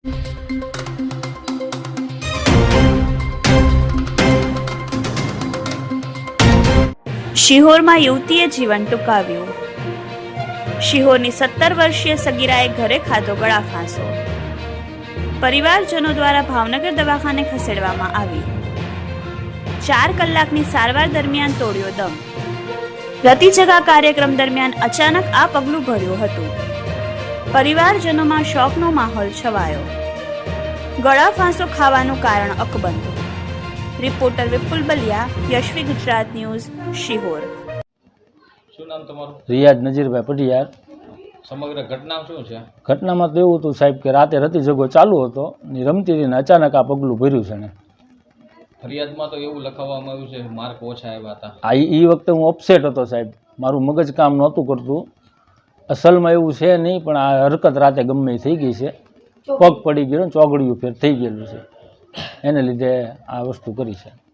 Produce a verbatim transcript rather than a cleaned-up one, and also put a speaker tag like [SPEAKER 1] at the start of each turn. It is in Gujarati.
[SPEAKER 1] શિહોરમાં યુવતીએ જીવન ટૂંકાવ્યું. શિહોરની સત્તર વર્ષીય સગીરાએ ઘરે ખાધો ગળા ફાંસો. પરિવારજનો દ્વારા ભાવનગર દવાખાને ખસેડવામાં આવી. ચાર કલાકની સારવાર દરમિયાન તોડ્યો દમ. રતિજગા કાર્યક્રમ દરમિયાન અચાનક આ પગલું ભર્યું હતું. પરિવારજનોમાં શોકનો માહોલ છવાયો. ગળા ફાંસો ખાવાનું કારણ અકબંધ. Reporter Vipul Baliya, Yashvi Gujarat news, Sihor.
[SPEAKER 2] શું નામ તમારું?
[SPEAKER 3] રિયાઝ નજીરભાઈ પટિયાર.
[SPEAKER 2] સમગ્ર ઘટના શું છે?
[SPEAKER 3] ઘટનામાં તો એવું હતું સાહેબ કે રાતે રતી જગો ચાલુ હતો ને રમતી રહીને અચાનક આ પગલું ભર્યું છે ને.
[SPEAKER 2] ફરિયાદમાં તો એવું લખાવવામાં આવ્યું છે માર્ક ઓછા આવ્યા હતા.
[SPEAKER 3] આ એ વખતે હું અપસેટ હતો સાહેબ, મારું મગજ કામ નહોતું કરતું. અસલમાં એવું છે નહીં, પણ આ હરકત રાતે ગમે એ થઈ ગઈ છે. પગ પડી ગયો ને ચોગડિયું ફેર થઈ ગયેલું છે, એને લીધે આ વસ્તુ કરી છે.